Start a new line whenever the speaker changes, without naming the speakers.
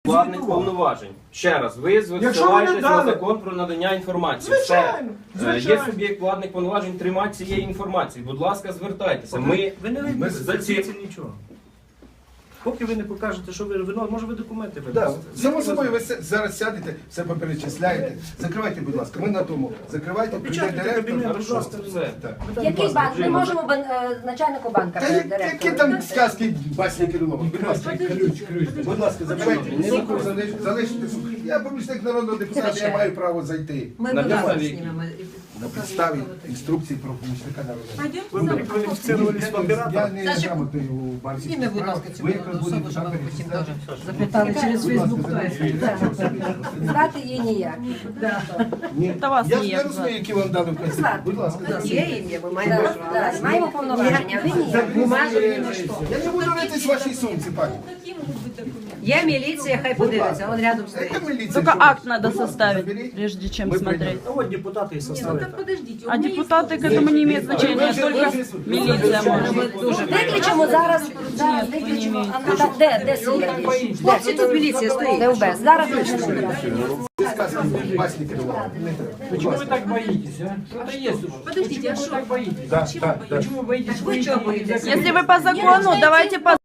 Владних повноважень. Ще раз, ви посилаєтесь на закон про надання інформації.
Звичайно,
Є суб'єкт владних повноважень, тримати цієї інформації. Будь ласка, звертайтеся.
Ви не
за ці...
вийдете нічого. Поки ви не покажете, що ви вино, може ви документи
Да,
видасте.
само собою, ви зараз сядете, все поперечисляєте. Закривайте, будь ласка, ми на тому. Закривайте, прийде
Опечатайте
директор.
кабінет, будь
Хорошо,
ласка.
все.
Так.
Який банк? Ми можемо начальнику банка
Та
директору.
які там сказки Басні Кирилова? Будь ласка, будь ласка, закривайте. Залиште. Я помічник народного депутата, я маю право зайти.
Ми
На
будемо
підставі
знімемо.
На підставі інструкцій про помічника народного.
Ви перекваліфіцировались в
Я
оператора.
не грамотний у банківських
Зніми, будь ласка,
справах.
цю
Ви якраз
особу,
будете
щоб
там
ви потім
перечисляти.
теж запитали через Фейсбук, хто є. Знати її ніяк.
Ні.
Та вас
Я ж
ніяк
не розумію, які вам дали вказівки.
Звати.
Будь ласка.
Є ім'я, ми маємо право. Маємо повноваження, ви ніяк.
Бумажок ні на що. Я не буду ритись в вашій сумці, пані.
Я милиция, хай подивиться, он рядом стоит.
Яка міліція?
Только
Що?
акт надо
Будь ласка,
составить,
заберіть.
прежде чем
Мы
смотреть.
А от депутати і составили.
А депутаты к этому не имеют значения, только милиция может.
Виключимо зараз, виключимо. Де сидять?
Хлопці, тут міліція
Де
стоїть.
УБС? Зараз виключимо.
Це сказки Басні Кирилова. Не треба.
Почему вы так боитесь, а? Это есть уже.
Подождите,
Почему
а
вы
что?
так боитесь?
Так, так, так.
Почему вы боитесь?
Вы чего боитесь?
Если вы по закону, давайте по